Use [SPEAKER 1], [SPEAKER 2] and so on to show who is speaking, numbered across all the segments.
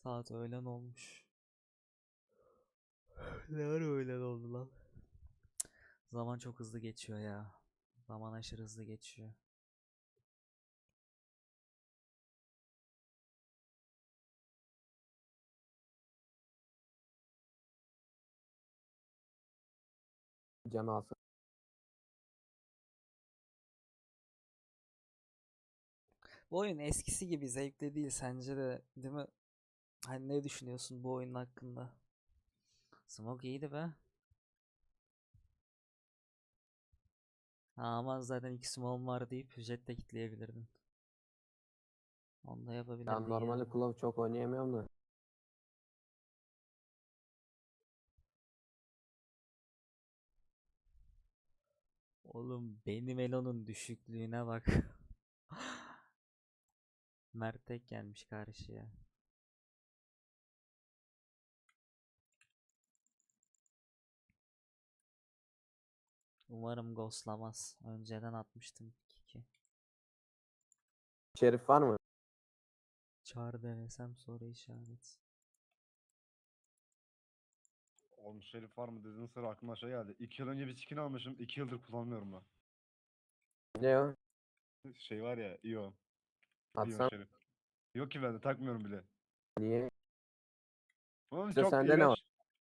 [SPEAKER 1] Saat öğlen olmuş. Ne ara öğlen oldu lan? Zaman çok hızlı geçiyor ya. Zaman aşırı hızlı geçiyor.
[SPEAKER 2] Can alsın.
[SPEAKER 1] Bu oyun eskisi gibi zevkli değil sence de, değil mi? Hani ne düşünüyorsun bu oyun hakkında? Smoke iyiydi be. Ha, ama zaten iki smoke'um var deyip jet de kitleyebilirdin. Onu da
[SPEAKER 2] Ya
[SPEAKER 1] yapabilirdin
[SPEAKER 2] normalde
[SPEAKER 1] yani.
[SPEAKER 2] Claw çok oynayamıyorum da.
[SPEAKER 1] Oğlum benim Elo'nun düşüklüğüne bak. Mert tek gelmiş karşıya. Umarım ghostlamaz. Önceden atmıştım kiki.
[SPEAKER 2] Şerif var mı?
[SPEAKER 1] Çağrı denesem soru işaret.
[SPEAKER 3] Oğlum Şerif var mı dediğin sıra aklıma şey geldi. 2 yıl önce bir skin almışım. 2 yıldır kullanmıyorum ben.
[SPEAKER 2] Ne o?
[SPEAKER 3] Şey var ya İyon. İyon
[SPEAKER 2] Atsan
[SPEAKER 3] Şerif. Yok ki bende takmıyorum bile.
[SPEAKER 2] niye?
[SPEAKER 3] Oğlum
[SPEAKER 2] İşte
[SPEAKER 3] çok
[SPEAKER 2] sende ne var?
[SPEAKER 3] iğrenç.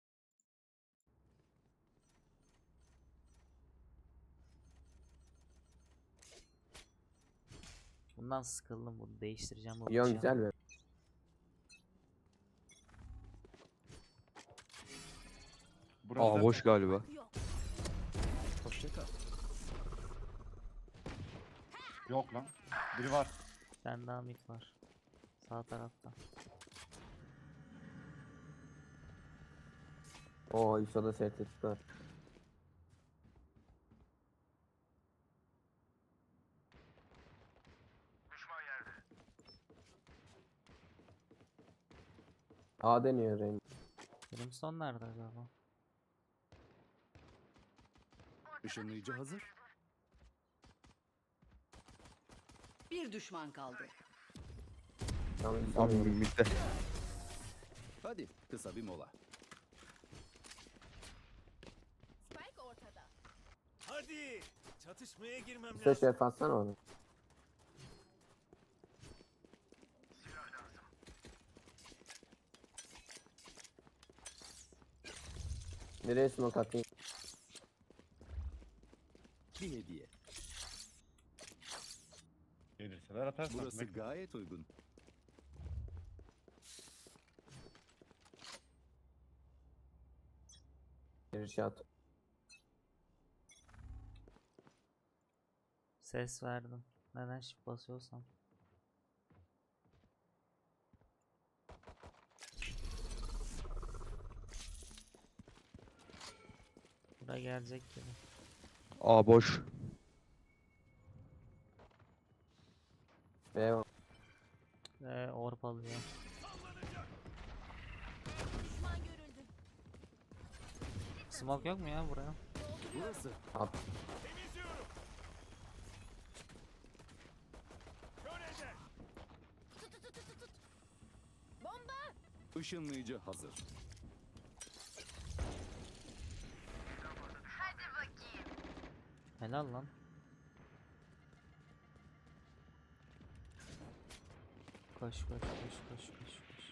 [SPEAKER 1] Bundan sıkıldım, bunu değiştireceğim bu
[SPEAKER 2] Yon
[SPEAKER 1] bıçağı.
[SPEAKER 2] güzel mi?
[SPEAKER 3] Burası
[SPEAKER 4] Boş galiba.
[SPEAKER 5] Hoşça kal.
[SPEAKER 3] yok lan. Biri var.
[SPEAKER 1] Bir tane daha mid var. Sağ tarafta.
[SPEAKER 2] Oo ISO'da STT var. A deniyor Rain.
[SPEAKER 1] Brimstone nerede acaba?
[SPEAKER 5] Işınlayıcı hazır.
[SPEAKER 6] Bir düşman kaldı.
[SPEAKER 2] Tamam
[SPEAKER 4] Tam
[SPEAKER 2] sanıyorum.
[SPEAKER 4] midde.
[SPEAKER 5] Hadi kısa bir mola.
[SPEAKER 6] Spike ortada.
[SPEAKER 7] Hadi çatışmaya girmem
[SPEAKER 2] İşte
[SPEAKER 7] lazım.
[SPEAKER 2] şerif atsana onu. Nereye smoke atayım?
[SPEAKER 5] Bir hediye.
[SPEAKER 3] Gelirseler atarsın.
[SPEAKER 5] Burası
[SPEAKER 3] Bekle.
[SPEAKER 5] gayet uygun.
[SPEAKER 2] Girişe at.
[SPEAKER 1] Ses verdim. Neden shift basıyorsam. Buraya gelecek gibi.
[SPEAKER 4] A boş.
[SPEAKER 2] B var.
[SPEAKER 1] Orp alıyor.
[SPEAKER 6] Düşman görüldü.
[SPEAKER 1] Smoke yok mu ya buraya?
[SPEAKER 5] Burası.
[SPEAKER 2] At.
[SPEAKER 7] Temizliyorum. Kör eder.
[SPEAKER 5] Işınlayıcı hazır.
[SPEAKER 1] Helal lan. Koş koş koş koş koş koş.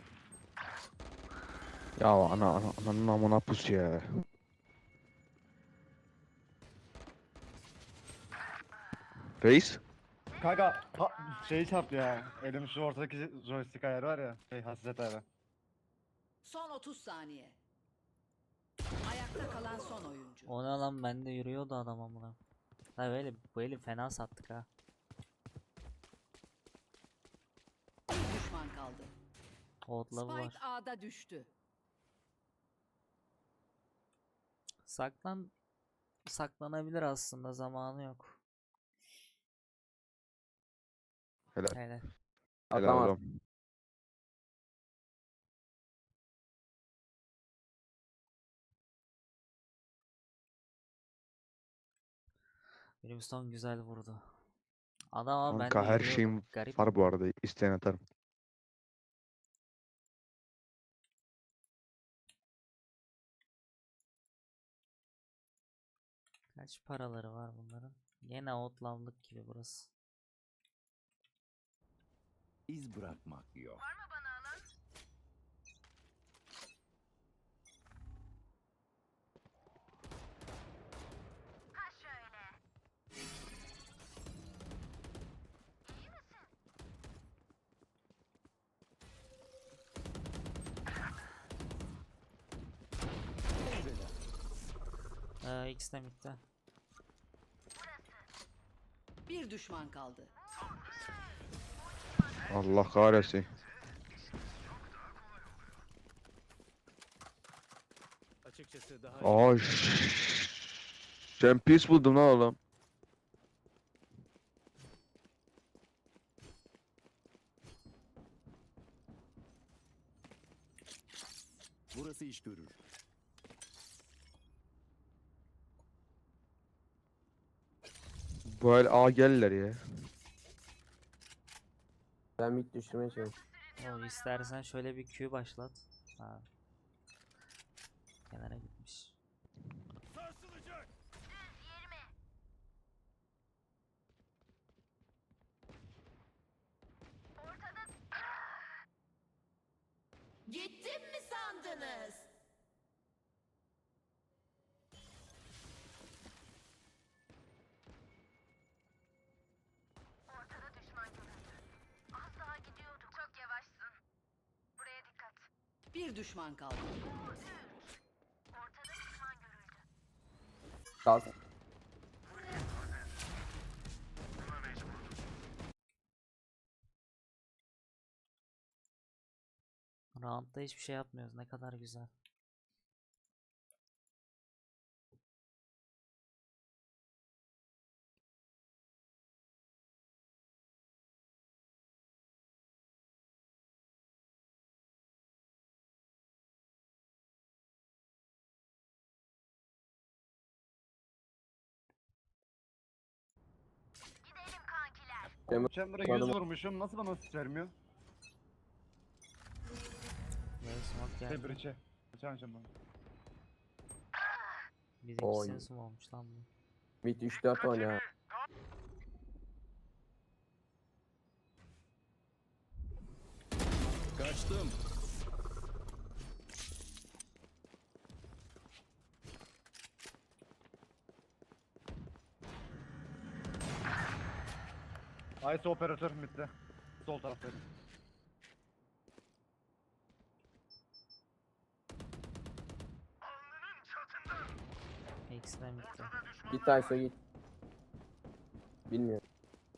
[SPEAKER 4] Ya ananın amına pus ya. Reis.
[SPEAKER 3] Kanka şeyi çarptı ya. Elim şu ortadaki joystick ayarı var ya. Hassasiyet ayarı.
[SPEAKER 6] Son 30 saniye. Ayakta kalan son oyuncu.
[SPEAKER 1] O ne lan, bende yürüyordu adam amına. Ha böyle bu eli fena sattık ha.
[SPEAKER 6] Bir düşman kaldı.
[SPEAKER 1] Outlaw var.
[SPEAKER 6] Spike A'da düştü.
[SPEAKER 1] Saklanabilir aslında, zamanı yok.
[SPEAKER 4] Helal.
[SPEAKER 1] Hele.
[SPEAKER 4] Helal
[SPEAKER 2] Atamaz.
[SPEAKER 4] oğlum.
[SPEAKER 1] Brimstone güzel vurdu. Adam ama bende
[SPEAKER 4] Kanka her
[SPEAKER 1] yürüyordu.
[SPEAKER 4] şeyim
[SPEAKER 1] Garip
[SPEAKER 4] var bu
[SPEAKER 1] ama.
[SPEAKER 4] arada. İsteyen atarım.
[SPEAKER 1] Kaç paraları var bunların? Gene outlandık gibi burası.
[SPEAKER 5] İz bırakmak yok.
[SPEAKER 1] X de midde.
[SPEAKER 6] Bir düşman kaldı.
[SPEAKER 4] Allah kahretsin.
[SPEAKER 7] Açıkçası daha
[SPEAKER 4] Ay. Sen pis buldun lan oğlum.
[SPEAKER 5] Burası iş görür.
[SPEAKER 4] Bu el A gelirler ya.
[SPEAKER 2] Ben mid düşürmeye çalışıyorum.
[SPEAKER 1] O istersen şöyle bir Q başlat. Ha. Kenara gitmiş.
[SPEAKER 7] sarsılacak.
[SPEAKER 6] Gittim mi sandınız? Bir düşman kaldı.
[SPEAKER 2] Kalk.
[SPEAKER 1] Round'da hiçbir şey yapmıyoruz. Ne kadar güzel.
[SPEAKER 3] Chamber'a 100
[SPEAKER 2] Kullandım.
[SPEAKER 3] vurmuşum. Nasıl bana asist vermiyor?
[SPEAKER 1] Böyle smoke geldi.
[SPEAKER 3] Breach'e. Geçen Chamber.
[SPEAKER 1] Bizimkisinin
[SPEAKER 2] Oy.
[SPEAKER 1] smoke olmuş lan bu.
[SPEAKER 2] Mid 3-4 oynuyor.
[SPEAKER 5] Kaçtım.
[SPEAKER 3] Ice operatör midde. Sol taraftayım.
[SPEAKER 1] X de midde.
[SPEAKER 2] Git Ayso git. Bilmiyorum.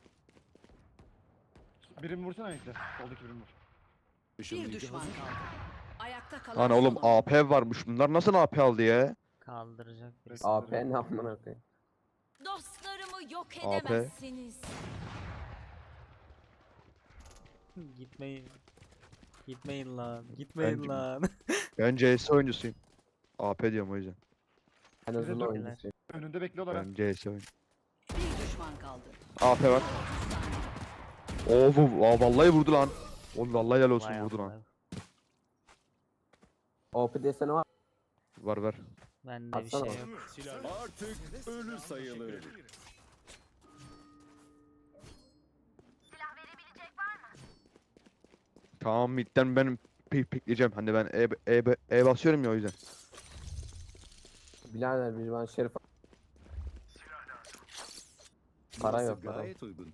[SPEAKER 3] Birimi vursana ekle. Soldaki birimi vur.
[SPEAKER 6] Bir
[SPEAKER 5] Işınlayıcı
[SPEAKER 6] düşman
[SPEAKER 5] hazır.
[SPEAKER 6] kaldı. Ayakta kalan
[SPEAKER 4] Lan
[SPEAKER 6] son
[SPEAKER 4] oğlum
[SPEAKER 6] oyuncu.
[SPEAKER 4] AP varmış. Bunlar nasıl AP aldı ya?
[SPEAKER 1] Kaldıracak birisi.
[SPEAKER 2] AP ne amına koyayım.
[SPEAKER 6] Dostlarımı yok
[SPEAKER 4] AP.
[SPEAKER 6] edemezsiniz.
[SPEAKER 1] Gitmeyin. Gitmeyin lan. Gitmeyin
[SPEAKER 4] Bence-
[SPEAKER 1] lan.
[SPEAKER 4] Ben CS oyuncusuyum. AP diyorum o yüzden.
[SPEAKER 2] En
[SPEAKER 3] Bize
[SPEAKER 2] azından
[SPEAKER 3] dön-
[SPEAKER 2] oyuncusu.
[SPEAKER 3] Önünde bekliyorlar ha.
[SPEAKER 4] Ben CS oyuncu.
[SPEAKER 6] Bir düşman kaldı.
[SPEAKER 4] AP var. Oo vallahi vurdu lan. Oğlum vallahi helal olsun
[SPEAKER 1] Vay
[SPEAKER 4] vurdu lan.
[SPEAKER 1] amına.
[SPEAKER 2] OP desene var.
[SPEAKER 4] Var ver.
[SPEAKER 1] Bende bir şey
[SPEAKER 2] Atsana.
[SPEAKER 1] yok.
[SPEAKER 7] Silah.
[SPEAKER 5] Artık ölü sayılır.
[SPEAKER 4] Tamam midden ben pikleyeceğim. Hani ben E basıyorum ya o yüzden.
[SPEAKER 2] Birader bir ben Şerif para
[SPEAKER 5] Burası
[SPEAKER 2] yok, para.
[SPEAKER 5] gayet uygun.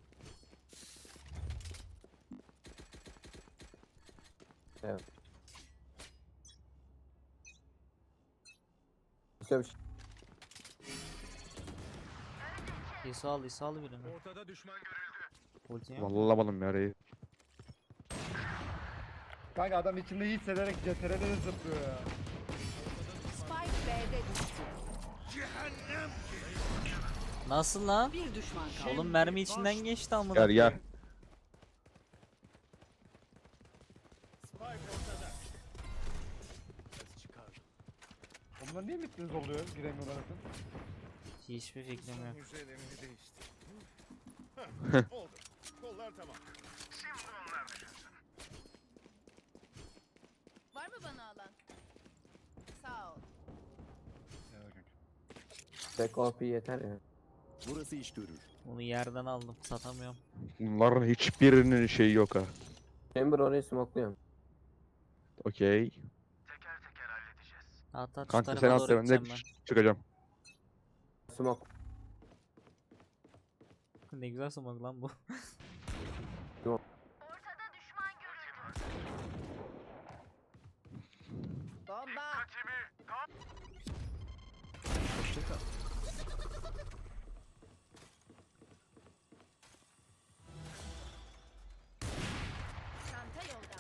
[SPEAKER 2] bir şey.
[SPEAKER 1] İsa al birini.
[SPEAKER 7] Ortada düşman görüldü.
[SPEAKER 1] Ulti yok.
[SPEAKER 4] Vallahi alamadım ya reyi.
[SPEAKER 3] Kanka adam içinde iyi hissederek CTR'de de zıplıyor ya.
[SPEAKER 6] Spike B'de düştü.
[SPEAKER 7] Cehennem.
[SPEAKER 1] Nasıl lan?
[SPEAKER 6] Bir düşman kaldı.
[SPEAKER 1] Oğlum mermi içinden geçti amına.
[SPEAKER 4] Gel gel.
[SPEAKER 7] Spike ortada. Ses çıkardım.
[SPEAKER 3] Onlar niye bittiniz oluyor? Giremiyorlar zaten.
[SPEAKER 1] Hiçbir fikrim yok.
[SPEAKER 7] Hücrelerini değiştir. Heh, oldu. Kollar tamam. Şimdi onlar düşünsün.
[SPEAKER 6] Var mı bana alan? Sağ ol.
[SPEAKER 3] Ya kanka.
[SPEAKER 2] Tek OP yeter ya.
[SPEAKER 5] Burası iş görür.
[SPEAKER 1] Bunu yerden aldım. Satamıyorum.
[SPEAKER 4] Bunların hiçbirinin şeyi yok ha.
[SPEAKER 2] Chamber orayı smokluyorum.
[SPEAKER 4] Okey.
[SPEAKER 1] At at şu
[SPEAKER 4] Kanka sen
[SPEAKER 1] tarafa
[SPEAKER 4] at
[SPEAKER 1] doğru
[SPEAKER 4] da ben de
[SPEAKER 1] gideceğim
[SPEAKER 4] çıkacağım.
[SPEAKER 2] Smoke.
[SPEAKER 1] ben. Ne güzel smoke lan bu.
[SPEAKER 6] Bomba.
[SPEAKER 5] Hoşça kal.
[SPEAKER 6] Çanta yolda.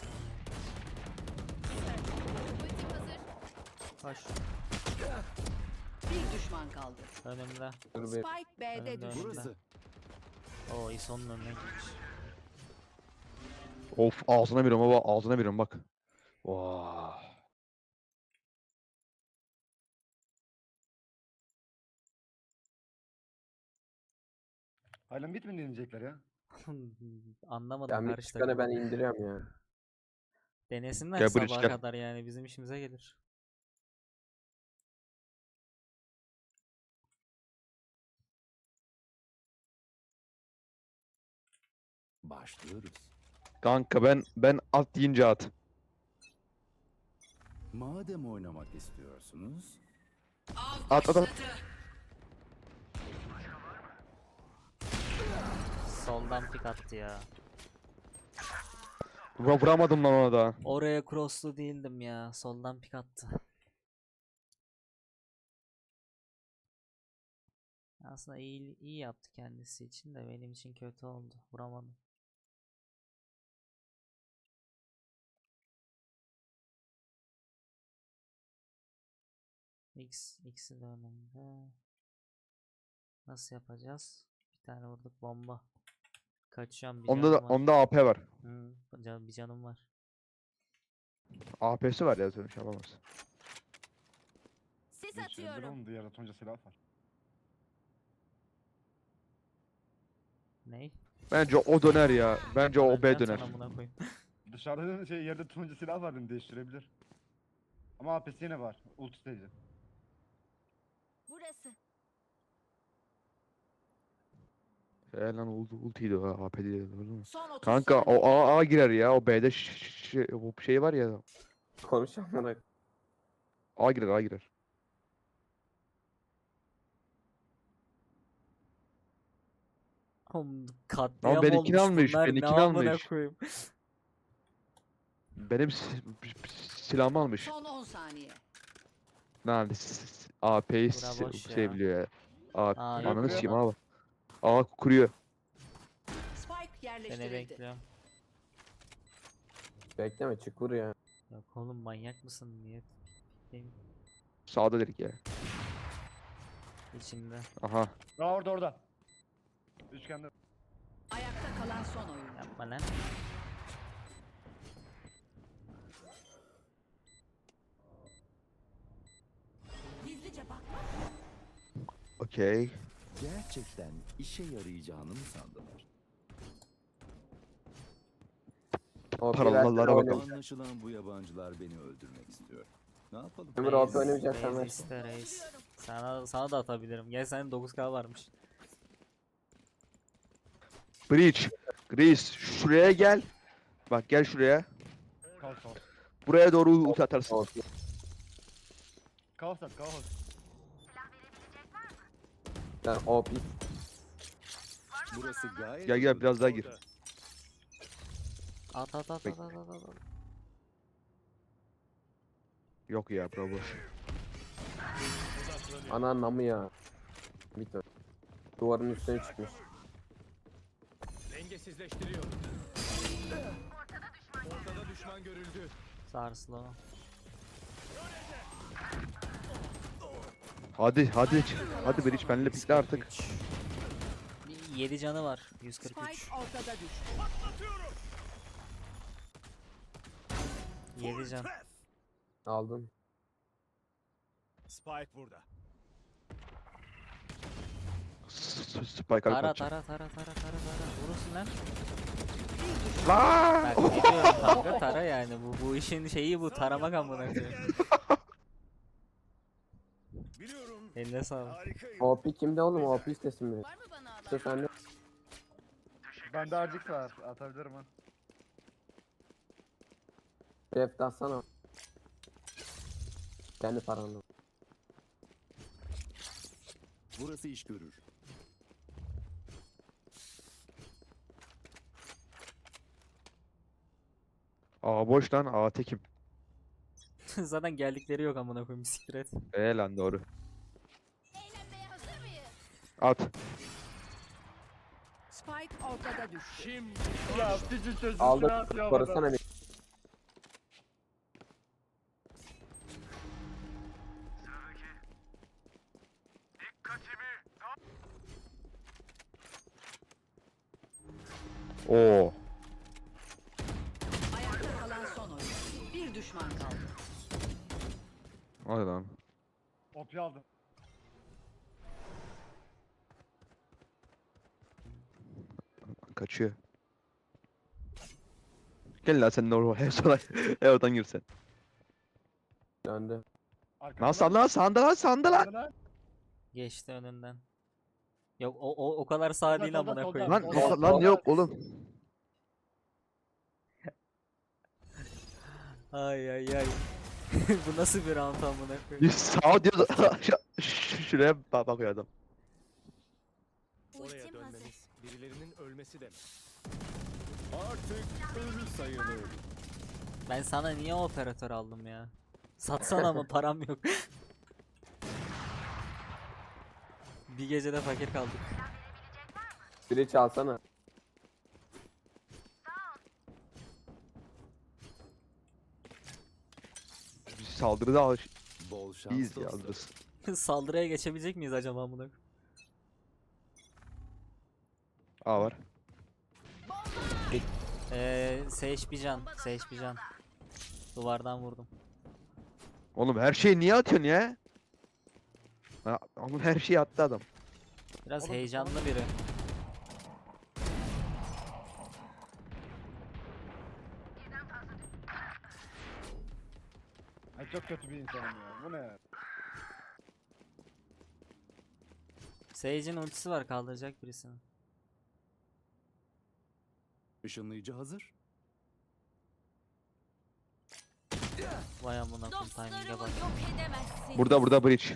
[SPEAKER 6] Ultim hazır.
[SPEAKER 1] Koş.
[SPEAKER 6] Bir düşman kaldı.
[SPEAKER 1] Önümde.
[SPEAKER 2] Dur bir.
[SPEAKER 6] Spike B'de
[SPEAKER 1] Önümde,
[SPEAKER 6] düştü.
[SPEAKER 5] Burası.
[SPEAKER 1] Oo İso'nun önüne gitmiş.
[SPEAKER 4] Of ağzına veriyorum baba, ağzına veriyorum bak. Vaa.
[SPEAKER 3] Hala mid mi deneyecekler ya?
[SPEAKER 1] Anlamadım
[SPEAKER 2] Ya mid
[SPEAKER 1] karşı
[SPEAKER 2] çıkanı ben
[SPEAKER 1] takımı.
[SPEAKER 2] indiriyorum ya.
[SPEAKER 1] Denesinler
[SPEAKER 4] Gel buraya,
[SPEAKER 1] sabaha
[SPEAKER 4] gel.
[SPEAKER 1] kadar yani bizim işimize gelir.
[SPEAKER 5] Başlıyoruz.
[SPEAKER 4] Kanka ben at deyince at.
[SPEAKER 5] Madem oynamak istiyorsunuz,
[SPEAKER 4] At at at.
[SPEAKER 1] Soldan pik attı ya.
[SPEAKER 4] Vuramadım lan ona da.
[SPEAKER 1] Oraya crosslu değildim ya. Soldan pik attı. Aslında iyi yaptı kendisi için de benim için kötü oldu. Vuramadım. X'i de önümde. Nasıl yapacağız? Bir tane vurduk bomba. Kaçıyorum bir
[SPEAKER 4] Onda da
[SPEAKER 1] canım var.
[SPEAKER 4] onda AP var.
[SPEAKER 1] Hı, bir canım var.
[SPEAKER 4] AP'si var ya zaten şey yapamaz.
[SPEAKER 6] Sis
[SPEAKER 3] Geçirebilir
[SPEAKER 6] atıyorum.
[SPEAKER 3] oğlum, diğer atonca silah var.
[SPEAKER 1] Ney?
[SPEAKER 4] Bence o döner ya. Bence o B
[SPEAKER 1] Öleceksin
[SPEAKER 4] döner.
[SPEAKER 1] sen amına koyayım.
[SPEAKER 3] Dışarıda şey yerde turuncu silah var, değiştirebilir. Ama AP'si yine var. Ultisteydi.
[SPEAKER 6] Burası.
[SPEAKER 4] Lan ultiydi o AP değil. Öyle mi?
[SPEAKER 6] Son 30
[SPEAKER 4] Kanka
[SPEAKER 6] saniye.
[SPEAKER 4] o A girer ya. O B'de o şey var ya.
[SPEAKER 2] Konuşanlara.
[SPEAKER 4] A girer A girer.
[SPEAKER 1] Oğlum katliam
[SPEAKER 4] benimkini
[SPEAKER 1] olmuş
[SPEAKER 4] almış,
[SPEAKER 1] bunlar, ne
[SPEAKER 4] benimkini
[SPEAKER 1] amına
[SPEAKER 4] almış.
[SPEAKER 1] koyayım.
[SPEAKER 4] Benim silahımı almış.
[SPEAKER 6] Son 10 saniye.
[SPEAKER 4] Lan AP'yi
[SPEAKER 1] Bura boş ya.
[SPEAKER 4] şey biliyor ya. A
[SPEAKER 1] Aa,
[SPEAKER 3] yok,
[SPEAKER 4] ananı
[SPEAKER 3] yok.
[SPEAKER 4] sikeyim abi. A kuruyor.
[SPEAKER 6] Spike
[SPEAKER 1] Seni
[SPEAKER 6] yerleştirildi.
[SPEAKER 1] bekliyorum.
[SPEAKER 2] Bekleme çık vur ya.
[SPEAKER 1] Yok oğlum manyak mısın? Niye? Benim
[SPEAKER 4] Sağda dedik ya.
[SPEAKER 1] içimde.
[SPEAKER 4] Aha.
[SPEAKER 3] Aa, orada. Üçgende.
[SPEAKER 6] Ayakta kalan son oyuncu.
[SPEAKER 1] Yapma lan.
[SPEAKER 6] Gizlice bak.
[SPEAKER 4] Okey.
[SPEAKER 5] gerçekten işe yarayacağını mı sandılar?
[SPEAKER 2] OP
[SPEAKER 4] Paralarla
[SPEAKER 2] versene
[SPEAKER 4] bakalım.
[SPEAKER 2] oynayayım.
[SPEAKER 5] Anlaşılan bu yabancılar beni öldürmek istiyor. Ne yapalım?
[SPEAKER 2] Chamber OP oynayacaksan ver.
[SPEAKER 1] iste reis. Sana da atabilirim. Gel senin 9K varmış.
[SPEAKER 4] Breach. Grease şuraya gel. Bak gel şuraya.
[SPEAKER 3] Kaos.
[SPEAKER 4] Buraya doğru ulti atarsın.
[SPEAKER 2] OP.
[SPEAKER 3] Kaos.
[SPEAKER 2] Lan OP.
[SPEAKER 5] Burası gayet
[SPEAKER 4] Gel gel
[SPEAKER 5] uygun.
[SPEAKER 4] biraz daha gir.
[SPEAKER 1] At.
[SPEAKER 4] Bekle. Yok ya bro boş.
[SPEAKER 2] Ana namı ya. Bit o. Duvarın üstüne çıkmış.
[SPEAKER 7] Dengesizleştiriyor. Ortada düşman görüldü.
[SPEAKER 1] Sarsılı o.
[SPEAKER 4] Hadi hadi Breach benimle pikle artık.
[SPEAKER 1] 7 canı var. 143.
[SPEAKER 6] Spike ortada düştü.
[SPEAKER 1] 7 can.
[SPEAKER 2] Aldın.
[SPEAKER 7] Spike burada.
[SPEAKER 4] Spike
[SPEAKER 1] Tara
[SPEAKER 4] atacağım.
[SPEAKER 1] Vurursun lan.
[SPEAKER 4] Lan!
[SPEAKER 1] Bak ne diyorum kanka tara yani bu işin şeyi bu taramak amına koyayım.
[SPEAKER 7] Biliyorum
[SPEAKER 1] Eline sağlık.
[SPEAKER 7] Harikayım.
[SPEAKER 2] OP kimde oğlum? OP istesin biri.
[SPEAKER 6] Var mı bana alan?
[SPEAKER 2] İşte sende.
[SPEAKER 3] Bende harcık var. Atabilirim ha.
[SPEAKER 2] Ref de atsana. Kendi paranla.
[SPEAKER 5] Burası iş görür.
[SPEAKER 4] A boş lan, A tekim.
[SPEAKER 1] Zaten geldikleri yok amına koyayım, siktir et.
[SPEAKER 4] Lan doğru.
[SPEAKER 6] Eğlenmeye hazır mıyız?
[SPEAKER 4] At.
[SPEAKER 6] Spike ortada düştü.
[SPEAKER 3] Ya küçük çocuk
[SPEAKER 2] Aldık.
[SPEAKER 3] ne yapıyor
[SPEAKER 2] Korusana
[SPEAKER 3] adam?
[SPEAKER 2] bir.
[SPEAKER 4] Oo.
[SPEAKER 6] Ayakta kalan son oyuncu. Bir düşman kaldı.
[SPEAKER 4] Hadi lan.
[SPEAKER 3] OP aldım.
[SPEAKER 4] Kaçıyor. Gel lan sen de oraya. Sonra oradan gir sen.
[SPEAKER 2] Döndü.
[SPEAKER 3] Arkamda
[SPEAKER 4] Lan sanda lan, sanda lan, sanda lan.
[SPEAKER 3] lan.
[SPEAKER 1] Geçti önünden. Yok o kadar sağ
[SPEAKER 3] Solda,
[SPEAKER 1] değil
[SPEAKER 3] solda,
[SPEAKER 1] amına
[SPEAKER 3] solda.
[SPEAKER 1] koyayım.
[SPEAKER 4] Lan,
[SPEAKER 3] Solda,
[SPEAKER 4] lan
[SPEAKER 3] solda.
[SPEAKER 4] yok oğlum.
[SPEAKER 1] Ay ay ay. Bu nasıl bir round amına koyayım?
[SPEAKER 4] Biz sağ diyoruz. Şuraya bakıyor adam.
[SPEAKER 8] Oraya
[SPEAKER 6] Ultim hazır.
[SPEAKER 8] dönmemiz birilerinin ölmesi demek.
[SPEAKER 5] Artık ölü sayılır.
[SPEAKER 1] Ben sana niye operatör aldım ya? Satsana ama param yok. Bir gecede fakir kaldık.
[SPEAKER 2] Biri çalsana.
[SPEAKER 4] Biz saldırıda alış.
[SPEAKER 5] Bol şans
[SPEAKER 4] İyiyiz ya,
[SPEAKER 5] dostum.
[SPEAKER 4] alırız.
[SPEAKER 1] Saldırıya geçebilecek miyiz acaba amına koyayım?
[SPEAKER 4] A var.
[SPEAKER 1] Sage bir can. Sage bir can. Duvardan vurdum.
[SPEAKER 4] Oğlum her şeyi niye atıyorsun ya? Ha, oğlum her şeyi attı adam.
[SPEAKER 1] Biraz
[SPEAKER 3] Oğlum,
[SPEAKER 1] heyecanlı biri.
[SPEAKER 3] Ay çok kötü bir insanım ya. Bu ne?
[SPEAKER 1] Sage'in ultisi var, kaldıracak birisini.
[SPEAKER 5] Işınlayıcı hazır.
[SPEAKER 1] Vay amına koyayım, timing'e bak.
[SPEAKER 6] yok edemezsin.
[SPEAKER 4] Burada bridge.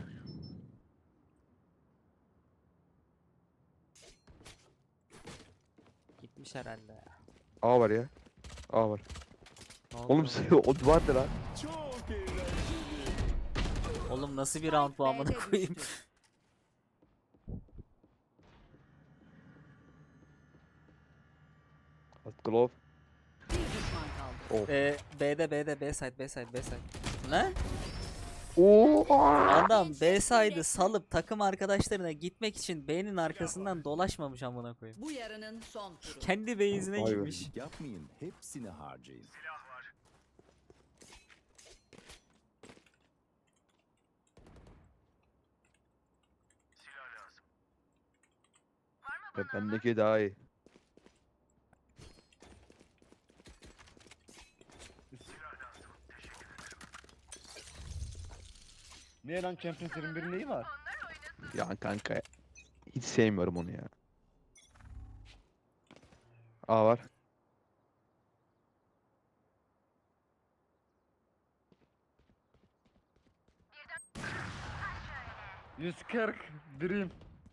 [SPEAKER 1] Gitmiş herhalde ya.
[SPEAKER 4] A var ya. A var.
[SPEAKER 1] Ne oldu
[SPEAKER 4] Oğlum
[SPEAKER 1] oğlum?
[SPEAKER 4] o duvardı lan.
[SPEAKER 5] Çok eğlenceli.
[SPEAKER 1] Oğlum nasıl bir round bu amına
[SPEAKER 6] B'de
[SPEAKER 1] koyayım?
[SPEAKER 6] düştü.
[SPEAKER 4] At glove.
[SPEAKER 6] Bir düşman kaldı.
[SPEAKER 1] B'de B side. Ne?
[SPEAKER 4] Oo.
[SPEAKER 1] Adam B side'ı salıp takım arkadaşlarına gitmek için B'nin arkasından dolaşmamış amına koyayım.
[SPEAKER 6] Bu yarının son turu.
[SPEAKER 1] Kendi base'ine
[SPEAKER 4] Vay be.
[SPEAKER 1] gitmiş.
[SPEAKER 5] Yapmayın. Hepsini harcayın.
[SPEAKER 4] Bendeki daha iyi.
[SPEAKER 3] Niye lan Champions 21'in neyi var?
[SPEAKER 4] Ya kanka. Hiç sevmiyorum onu ya. A var.
[SPEAKER 3] %40 Dream.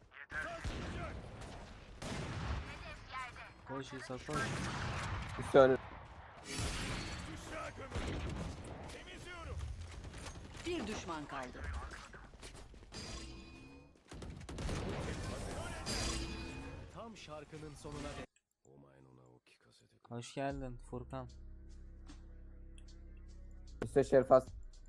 [SPEAKER 1] Koş İsa koş.
[SPEAKER 2] Üstü önü.
[SPEAKER 7] Düşüşe gömün. Temizliyorum.
[SPEAKER 6] Bir düşman kaldı.
[SPEAKER 8] Tam şarkının sonuna dek. Omaen ona o kikasete.
[SPEAKER 1] Hoş geldin Furkan.
[SPEAKER 2] Üstte Şerifas.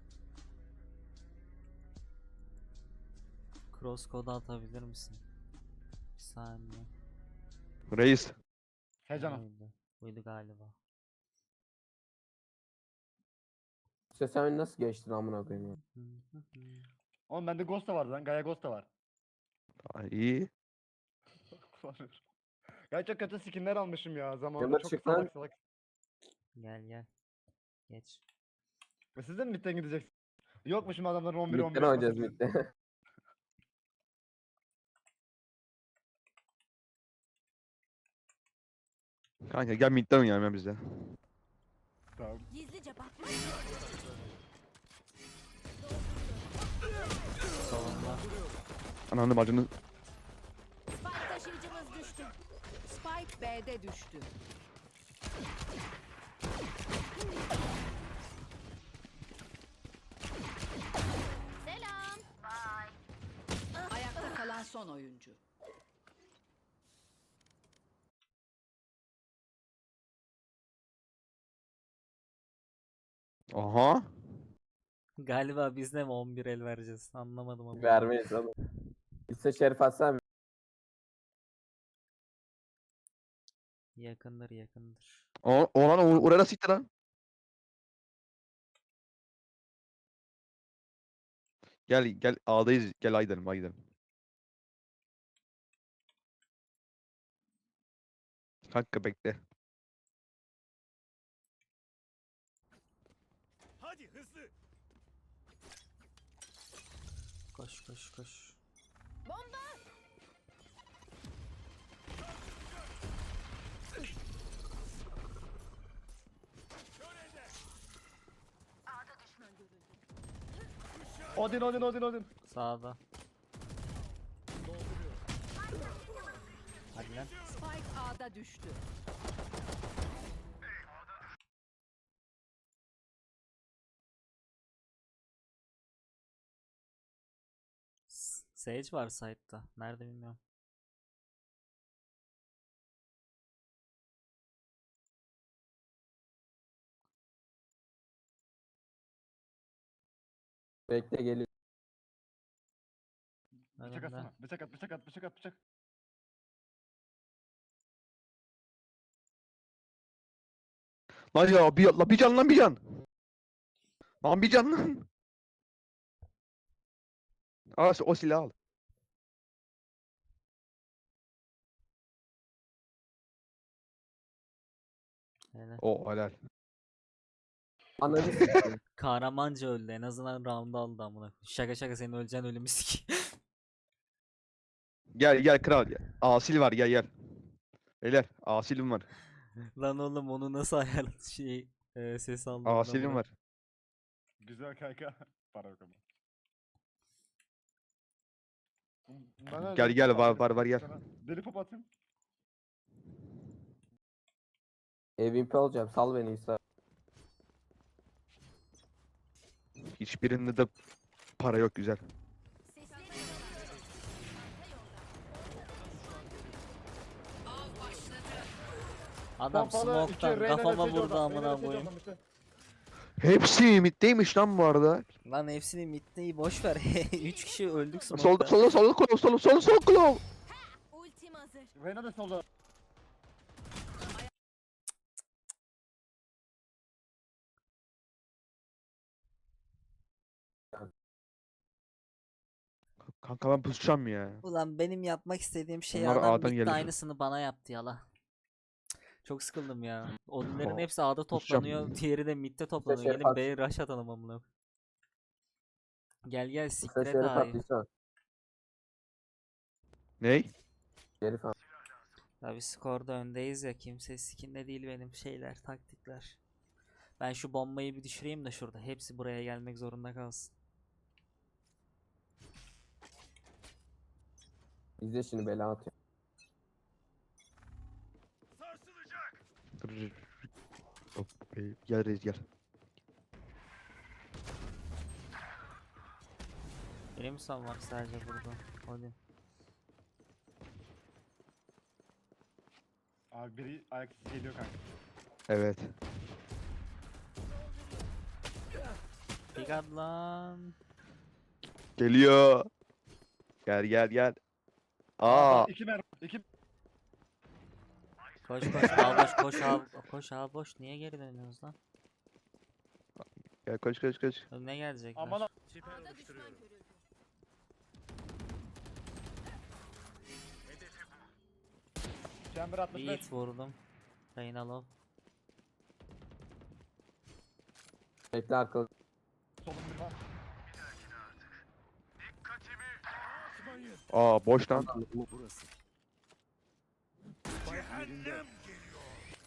[SPEAKER 1] Cross code atabilir misin? Bir saniye.
[SPEAKER 4] Reis.
[SPEAKER 3] Heyecanım.
[SPEAKER 1] Buydu. Buydu galiba.
[SPEAKER 2] İşte sen nasıl geçtin amına koyayım ya?
[SPEAKER 3] Oğlum bende Ghost da vardı lan. Gaia Ghost da var.
[SPEAKER 4] Aa, iyi.
[SPEAKER 3] Kullanıyorum. Ya çok kötü skinler almışım ya. Zamanında
[SPEAKER 2] Yanına
[SPEAKER 3] çok
[SPEAKER 2] çık lan.
[SPEAKER 3] salak salak.
[SPEAKER 1] Gel. Geç.
[SPEAKER 3] Ve siz de mi midden gideceksiniz? Yokmuşum adamların 11
[SPEAKER 2] Midden
[SPEAKER 3] 15.
[SPEAKER 2] oynayacağız midden.
[SPEAKER 4] Kanka gel midden oynayalım ya biz de.
[SPEAKER 3] Tamam.
[SPEAKER 6] Gizlice bakma.
[SPEAKER 1] Solunda.
[SPEAKER 4] Ananı bacını.
[SPEAKER 6] Spike taşıyıcımız düştü. Spike B'de düştü. Selam. Ayakta kalan son oyuncu.
[SPEAKER 4] Aha.
[SPEAKER 1] Galiba biz de mi 11 el vereceğiz? Anlamadım ama.
[SPEAKER 2] Vermeyiz oğlum. İşte Şerif Hasan
[SPEAKER 1] Yakındır yakındır.
[SPEAKER 4] Olan oraya nasıl gitti lan? Gel gel A'dayız. Gel A gidelim A gidelim. Kanka bekle.
[SPEAKER 7] Hadi hızlı.
[SPEAKER 1] Koş koş koş.
[SPEAKER 3] Odin.
[SPEAKER 1] Sağda. Hadi lan.
[SPEAKER 6] Spike A'da düştü.
[SPEAKER 1] Sage var site'da. Nerede bilmiyorum.
[SPEAKER 2] bekle geliyor.
[SPEAKER 3] Bıçak
[SPEAKER 1] Önümde.
[SPEAKER 3] atsana. Bıçak.
[SPEAKER 4] Lan ya bir can lan bir can. Lan bir can lan. Al o silahı al.
[SPEAKER 1] Hele.
[SPEAKER 4] O helal.
[SPEAKER 2] Ananı sikeyim.
[SPEAKER 1] Kahramanca öldü. En azından round aldı amına. Şaka şaka senin öleceğin ölümü sik.
[SPEAKER 4] Gel kral gel. Asil var gel. Beyler asilim var.
[SPEAKER 1] Lan oğlum onu nasıl ayar ses aldım.
[SPEAKER 4] Asilim var.
[SPEAKER 3] Güzel kanka. Para yok ama.
[SPEAKER 4] Gel var gel.
[SPEAKER 3] Deli pop atayım.
[SPEAKER 2] MVP olacağım. Sal beni İsa.
[SPEAKER 4] Hiçbirinde de para yok güzel.
[SPEAKER 1] Adam
[SPEAKER 3] Pompalı, iki,
[SPEAKER 1] smoke'tan
[SPEAKER 3] Reyna
[SPEAKER 1] kafama
[SPEAKER 3] deseydi
[SPEAKER 1] vurdu
[SPEAKER 3] oradan,
[SPEAKER 1] amına
[SPEAKER 3] Reyna deseydi
[SPEAKER 1] koyayım.
[SPEAKER 3] oradan işte.
[SPEAKER 4] Hepsi middeymiş lan bu arada.
[SPEAKER 1] Lan hepsini middeyi boş ver. 3 kişi öldük
[SPEAKER 4] Solda
[SPEAKER 1] smoke'tan.
[SPEAKER 4] sol kulağım.
[SPEAKER 6] Ultim hazır.
[SPEAKER 3] Reyna da solda.
[SPEAKER 4] Kanka ben pusacağım ya.
[SPEAKER 1] Ulan benim yapmak istediğim şeyi
[SPEAKER 4] Onlar
[SPEAKER 1] adam
[SPEAKER 4] A'dan
[SPEAKER 1] midde
[SPEAKER 4] gelir.
[SPEAKER 1] aynısını bana yaptı yala. Çok sıkıldım ya. Odunların
[SPEAKER 4] Oh,
[SPEAKER 1] hepsi A'da
[SPEAKER 4] kusacağım.
[SPEAKER 1] toplanıyor. Diğeri de midde toplanıyor.
[SPEAKER 2] Şerif
[SPEAKER 1] Gelin
[SPEAKER 2] at.
[SPEAKER 1] B'ye rush atalım amına. Gel
[SPEAKER 2] İsa
[SPEAKER 1] siktir et
[SPEAKER 2] Şerif at
[SPEAKER 1] A'yı.
[SPEAKER 2] İsa.
[SPEAKER 4] Ney?
[SPEAKER 2] Şerif at.
[SPEAKER 1] Ya biz skorda öndeyiz ya. Kimse sikinde değil benim şeyler, taktikler. Ben şu bombayı bir düşüreyim de şurada. Hepsi buraya gelmek zorunda kalsın.
[SPEAKER 2] İzle şimdi bela atıyor.
[SPEAKER 7] Sarsılacak.
[SPEAKER 4] Hop, gel reis gel.
[SPEAKER 1] Benim son var sadece burada. Hadi.
[SPEAKER 3] Abi biri ayak izi geliyor kanka.
[SPEAKER 4] Evet.
[SPEAKER 1] Dikkat lan.
[SPEAKER 4] Geliyor. Gel. Aa.
[SPEAKER 3] 2 mermi. 2
[SPEAKER 1] Koş A boş koş A boş. Niye geri dönüyorsunuz lan?
[SPEAKER 4] Gel koş.
[SPEAKER 1] Ne gelecekler?
[SPEAKER 3] aman a-
[SPEAKER 7] Siper oluşturuyorum.
[SPEAKER 3] Chamber 65.
[SPEAKER 1] Yiğit vurdum. Reyna low.
[SPEAKER 2] Bekle arkalı.
[SPEAKER 3] Solun bir var.
[SPEAKER 4] Aa boş lan.
[SPEAKER 5] Burası.
[SPEAKER 7] Cehennem geliyor.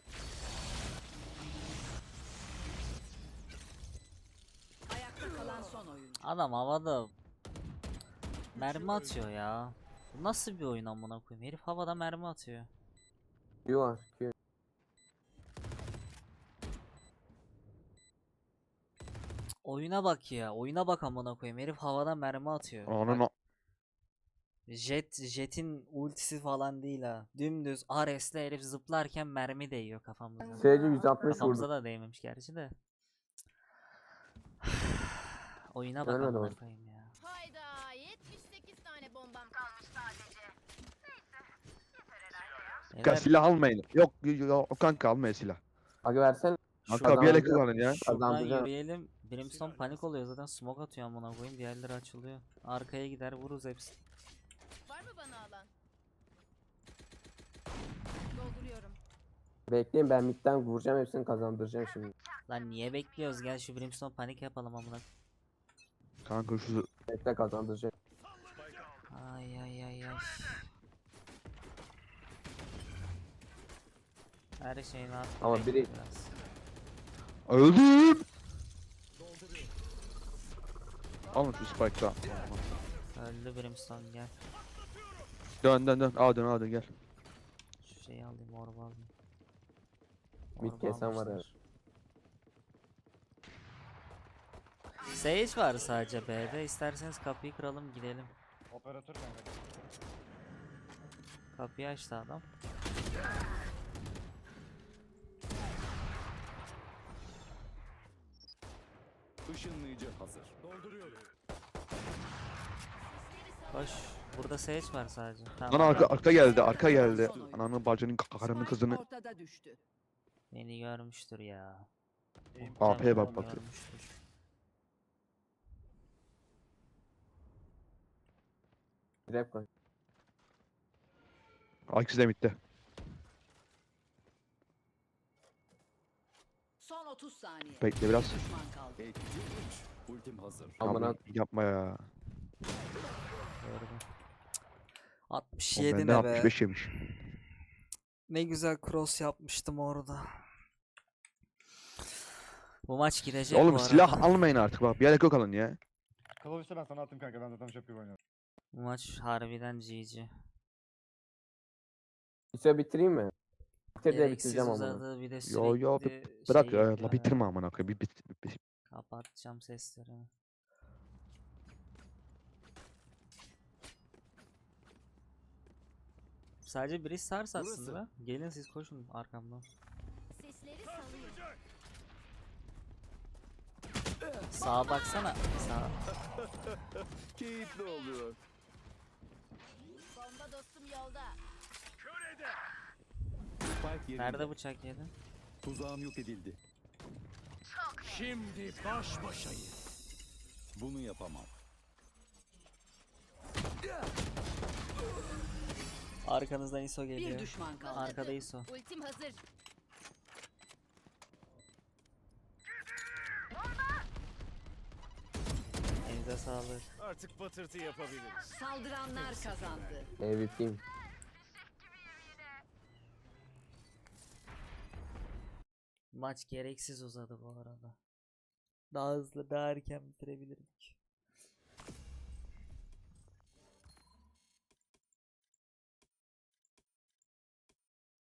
[SPEAKER 1] Adam havada mermi atıyor ya. Bu nasıl bir oyun amına koyayım? Herif havada mermi atıyor.
[SPEAKER 2] Q var. Q.
[SPEAKER 1] Oyuna bak ya. Oyuna bak amına koyayım. Herif havada mermi atıyor.
[SPEAKER 4] Ananı
[SPEAKER 1] Bak, Jet'in ultisi falan değil ha. Dümdüz Ares'le herif zıplarken mermi değiyor kafamıza.
[SPEAKER 2] SC 160
[SPEAKER 1] Kafamıza
[SPEAKER 2] vurdu.
[SPEAKER 1] da değmemiş gerçi de. Oyuna bak
[SPEAKER 2] Ölmedi
[SPEAKER 1] amına
[SPEAKER 2] orada.
[SPEAKER 1] koyayım ya.
[SPEAKER 6] Hayda 78 tane bombam kalmış sadece.
[SPEAKER 1] Beyler,
[SPEAKER 4] kanka silah almayın. Yok yok kanka almayın silah.
[SPEAKER 2] Aga versene.
[SPEAKER 4] Kanka bir yelek
[SPEAKER 2] Kazandıracağım.
[SPEAKER 4] kullanın ya.
[SPEAKER 1] şuradan
[SPEAKER 2] Kazandıracağım.
[SPEAKER 1] yürüyelim. Brimstone panik oluyor zaten smoke atıyor amına koyayım. Diğerleri açılıyor. Arkaya gider vururuz hepsini.
[SPEAKER 6] Var mı bana alan? Dolduruyorum.
[SPEAKER 2] Bekleyin ben midden vuracağım hepsini kazandıracağım şimdi.
[SPEAKER 1] Lan niye bekliyoruz? Gel şu Brimstone panik yapalım amına.
[SPEAKER 4] Kanka şu
[SPEAKER 2] Bekle kazandıracağım.
[SPEAKER 1] Ay ay ay ay. Her şeyin artık
[SPEAKER 2] Ama biri-
[SPEAKER 1] biraz.
[SPEAKER 4] öldüm. Alın şu spike'da.
[SPEAKER 1] Öldü Brimstone gel.
[SPEAKER 4] Dön dön dön. Aa dön gel.
[SPEAKER 1] Şu şeyi alayım orba alayım.
[SPEAKER 2] Mid
[SPEAKER 1] Orba
[SPEAKER 2] kesen var
[SPEAKER 1] almışlar. Sage var sadece B'de. İsterseniz kapıyı kıralım gidelim.
[SPEAKER 3] Operatör kanka.
[SPEAKER 1] Kapıyı açtı adam.
[SPEAKER 5] Işınlayıcı hazır.
[SPEAKER 8] Dolduruyorum.
[SPEAKER 1] Koş. Burada Sage var sadece.
[SPEAKER 4] Lan
[SPEAKER 1] Tamam.
[SPEAKER 4] arka geldi arka geldi. Ananın bacının karının kızını.
[SPEAKER 6] Ortada düştü.
[SPEAKER 1] Beni görmüştür ya.
[SPEAKER 4] AP'ye
[SPEAKER 1] Muhtemelen
[SPEAKER 4] bak bakayım.
[SPEAKER 1] görmüştür.
[SPEAKER 2] Trap koy.
[SPEAKER 4] Akisi de bitti.
[SPEAKER 6] Son 30 saniye.
[SPEAKER 4] Bekle biraz.
[SPEAKER 6] Düşman kaldı.
[SPEAKER 5] Etkili 3. Ultim hazır.
[SPEAKER 2] Amına
[SPEAKER 4] Aman yapma ya.
[SPEAKER 1] Gördüm.
[SPEAKER 4] O
[SPEAKER 1] 67
[SPEAKER 4] bende
[SPEAKER 1] ne be.
[SPEAKER 4] 65 yemiş.
[SPEAKER 1] Ne güzel cross yapmıştım orada. Bu maç girecek
[SPEAKER 4] Oğlum
[SPEAKER 1] bu
[SPEAKER 4] silah
[SPEAKER 1] arada.
[SPEAKER 4] almayın artık bak. Bir yelek yok alın ya.
[SPEAKER 3] Kılıçta ben sana attım kanka. Ben zaten çok iyi oynuyorum.
[SPEAKER 1] Bu maç harbiden GG.
[SPEAKER 2] İse bitireyim mi? Bitir de
[SPEAKER 1] Gereksiz
[SPEAKER 2] bitireceğim ama.
[SPEAKER 1] uzadı bir de
[SPEAKER 4] Yo, yo,
[SPEAKER 1] sürekli
[SPEAKER 4] Bırak
[SPEAKER 1] şey
[SPEAKER 4] ya,
[SPEAKER 1] yapıyor
[SPEAKER 4] la
[SPEAKER 1] ya.
[SPEAKER 4] bitirme amına koyayım. Bir.
[SPEAKER 1] Kapatacağım seslerini. Sadece biri sars aslında. Gelin siz koşun arkamdan.
[SPEAKER 6] Sesleri salıyor.
[SPEAKER 1] Sağa baksana. Sağa.
[SPEAKER 5] Keyifli oluyor.
[SPEAKER 6] Bomba dostum yolda.
[SPEAKER 5] Spike yerinde.
[SPEAKER 1] Nerede bıçak yedin?
[SPEAKER 5] Tuzağım yok edildi.
[SPEAKER 8] Şimdi baş başayız.
[SPEAKER 5] Bunu yapamam.
[SPEAKER 1] Arkanızdan ISO
[SPEAKER 6] Bir
[SPEAKER 1] geliyor.
[SPEAKER 6] düşman kaldı.
[SPEAKER 1] Arkada ISO.
[SPEAKER 6] Ultim hazır.
[SPEAKER 1] Elinize sağlık.
[SPEAKER 7] Artık patırtı yapabiliriz.
[SPEAKER 6] Saldıranlar kazandı.
[SPEAKER 2] MVP'yim.
[SPEAKER 1] Maç gereksiz uzadı bu arada. Daha hızlı, daha erken bitirebilirdik.